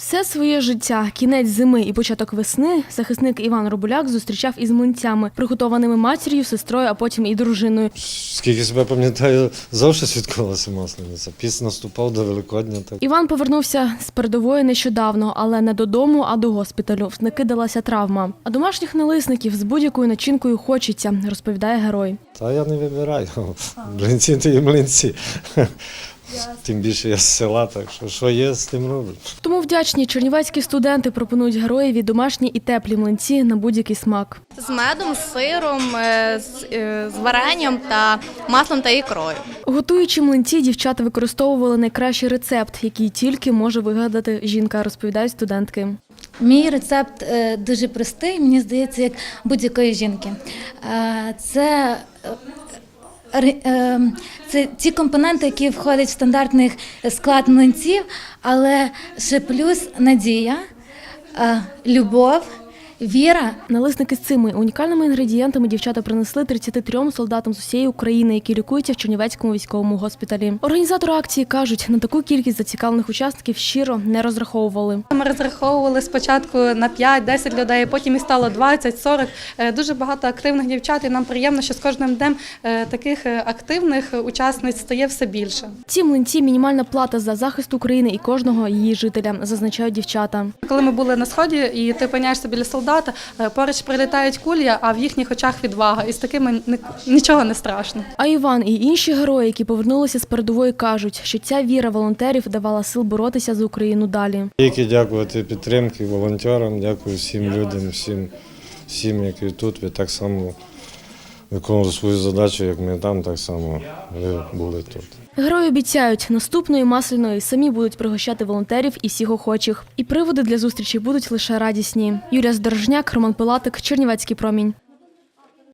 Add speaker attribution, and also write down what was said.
Speaker 1: Все своє життя, кінець зими і початок весни захисник Іван Робуляк зустрічав із млинцями, приготованими матір'ю, сестрою, а потім і дружиною.
Speaker 2: Скільки себе пам'ятаю, завжди святкувалася Маслениця. Піс наступав до Великодня. Так.
Speaker 1: Іван повернувся з передової нещодавно, але не додому, а до госпіталю. В сники далася травма. А домашніх налисників з будь-якою начинкою хочеться, розповідає герой.
Speaker 2: Та я не вибираю. Млинці то і млинці. Тим більше я з села, так що є, з тим роблю.
Speaker 1: Тому вдячні чернівецькі студенти пропонують героєві домашні і теплі млинці на будь-який смак.
Speaker 3: З медом, з сиром, з варенням та маслом та ікрою.
Speaker 1: Готуючи млинці, дівчата використовували найкращий рецепт, який тільки може вигадати жінка, розповідають студентки.
Speaker 4: Мій рецепт дуже простий, мені здається, як будь-якої жінки. Це ті компоненти, які входять в стандартний склад млинців, але ще плюс надія, любов, віра.
Speaker 1: Налисники з цими унікальними інгредієнтами дівчата принесли 33 солдатам з усієї України, які лікуються в Чернівецькому військовому госпіталі. Організатори акції кажуть, на таку кількість зацікавлених учасників щиро не розраховували.
Speaker 5: Ми розраховували спочатку на 5-10 людей, потім і стало 20-40. Дуже багато активних дівчат, і нам приємно, що з кожним днем таких активних учасниць стає все більше.
Speaker 1: Ці млинці – мінімальна плата за захист України і кожного її жителя, зазначають дівчата.
Speaker 5: Коли ми були на Сході, і ти опиняєшся біля солдата, поруч прилітають кулі, а в їхніх очах відвага. І з такими нічого не страшно.
Speaker 1: А Іван і інші герої, які повернулися з передової, кажуть, що ця віра волонтерів давала сил боротися за Україну далі.
Speaker 2: Тільки дякувати підтримки волонтерам, дякую всім людям, всім, які тут. Ви так само виконували свою задачу, як ми там, так само ви були тут.
Speaker 1: Герої обіцяють, наступної Масляної самі будуть пригощати волонтерів і всіх охочих. І приводи для зустрічі будуть лише радісні. Юлія Здорожняк, Роман Пилатик, Чернівецький промінь.